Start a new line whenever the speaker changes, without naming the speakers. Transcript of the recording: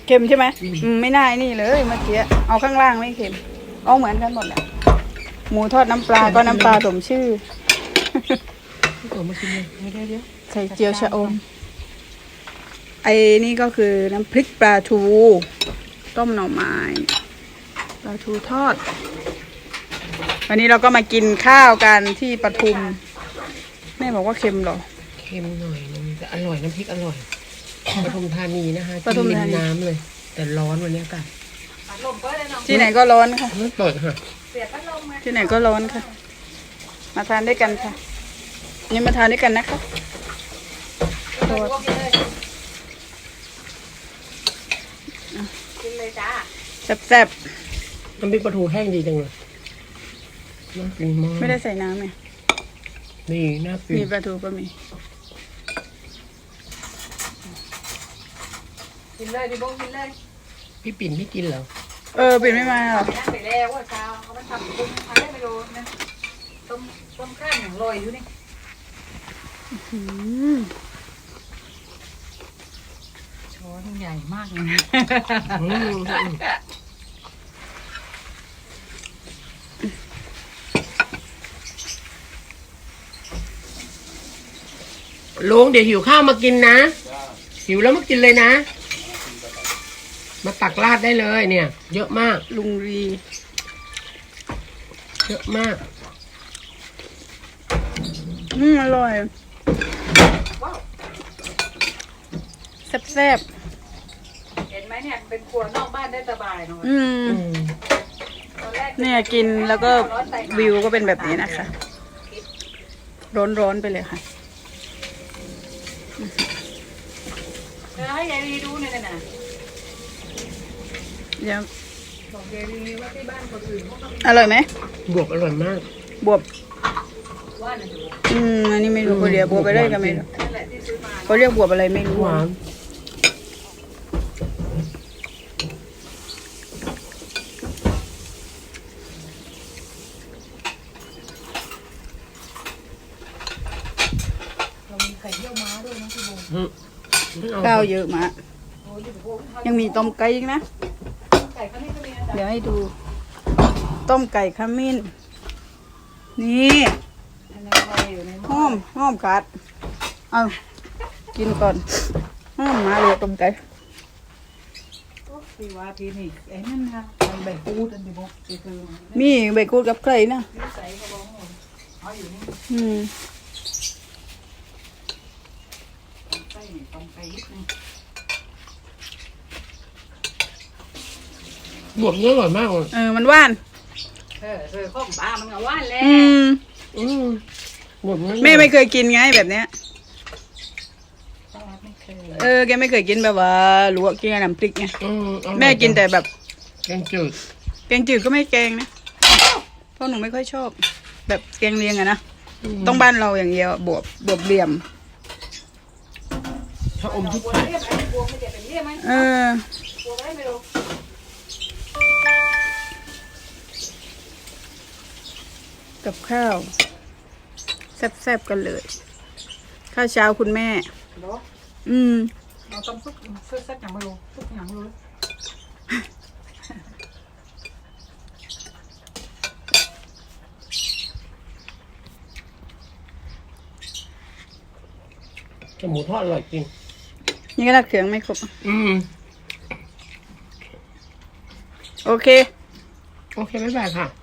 เค็มใช่ไหมไม่น่านี่เลยเมื่อกี้เอาข้างล่างไม่เค็มเอาเหมือนกันหมดแหละหมูทอดน้ำปลาก็น้ำปลาสมชื่อ
มากินเลยไม่ได้เดี๋ยว
ใส่เจียวชะอมไอ้นี่ก็คือน้ำพริกปลาทูต้มหน่อไม้ปลาทูทอดวันนี้เราก็มากินข้าวกันที่ปทุมแม่บอกว่าเค็มหรอ
เค็มหน่อยนึงแต่อร่อยน้ำพริกอร่อยปทุมธานีนะคะ
ปทุมธานี
น้ำเลยแต่ร้อนวันนี้อากาศ
ที่ไหนก็ร้อนค่ะ
เปิดค่ะ
ที่ไหนก็ร้อนค่ะมาทานด้วยกันค่ะนี่มาทานด้วยกันนะคะ
กินเลยจ้า
แซ่บ
น้ำพริกปลาทูแห้งดีจังเลยน่ากินมาก
ไม่ได้ใส่น้ำไง
นี่น่ากิน
มีปลาทูก็มี
กินเลยดิโบกินเลย
พี่ปิ่นไม่กินเหรอ
ปิ่นไม่มาหรอ
ไปแล้วว่าเช้าเขาไม่ทำกุ้งทำได้ไม่รู้นะต้มข้าวอย่างลอยอยู่นี่ช้อนใหญ่มากเลยนะ
ลุงเดี๋ยวหิวข้าวมากินนะหิวแล้วมากินเลยนะมาตักราดได้เลยเนี่ยเยอะมาก
ลุงรี
เยอะมาก
อร่อยแซ่บ
เห็นไหมเนี่ยเป็นครัวนอกบ้านได้สบายเนาะ
เนี่ยกินแล้วก็วิวก็เป็นแบบนี้นะคะร้อนๆไปเลยค่ะ
ให้ยายรีดูเนี่ยนะ
ยัง
บอกยายรีว่าที่บ้านคนอื่น
อร่อยไหม
บวบอร่อยมาก
บวบ
ว่าน่ะ
อันนี้ไม่รู้เขาเรียกบวบไปได้กันไหมเขาเรียกบวบอะไรไม่รู้
หวาน
เรามีไข่เยี่ยวม้าด้วยนะพี่โบ
ข้าวเยอะมากยังมีต้มไก่อีกนะเดี๋ยวให้ดูต้มไก่ขมิ้นนี่หอมกัดเอากินก่อนหอมมาเลยต้มไก่
พี่ว่าพี่นี่ไอ้นั่นนะมันใบกูดอันเดียว
มีใบกูดกับไก่นะ
ใส่กระบอกหมดเอาอยู่นี่ต้มไก่นิดนึง
บวบเนื้ออร่อยมากเลย
มันหวาน
ข้องปลามันก็หวานแล้ว
บวบเนื้อ
แม่ไม่เคยกินไงแบบเนี้ยแกไม่เคยกินแบบว่าลวกกินน้ำพริกไงแม่กินแต่แบบ
แกงจื
ดก็ไม่แกงนะเพราะหนูไม่ค่อยชอบแบบแกงเลียงอะนะต้องบ้านเราอย่างเดียวบวบเหลี่ยม
ถ้าอมทุก
คน
กับข้าวแซ่บๆกันเลยข้าวเช้าคุณแม่
เราต้มซุปซักอย่างไม่รู้ซุปอย่างไม่รู้
หมูทอดอร่อยจริง
นี่ก็รัดเขืองไม่ครบโอเค
บ๊ายบายค่ะ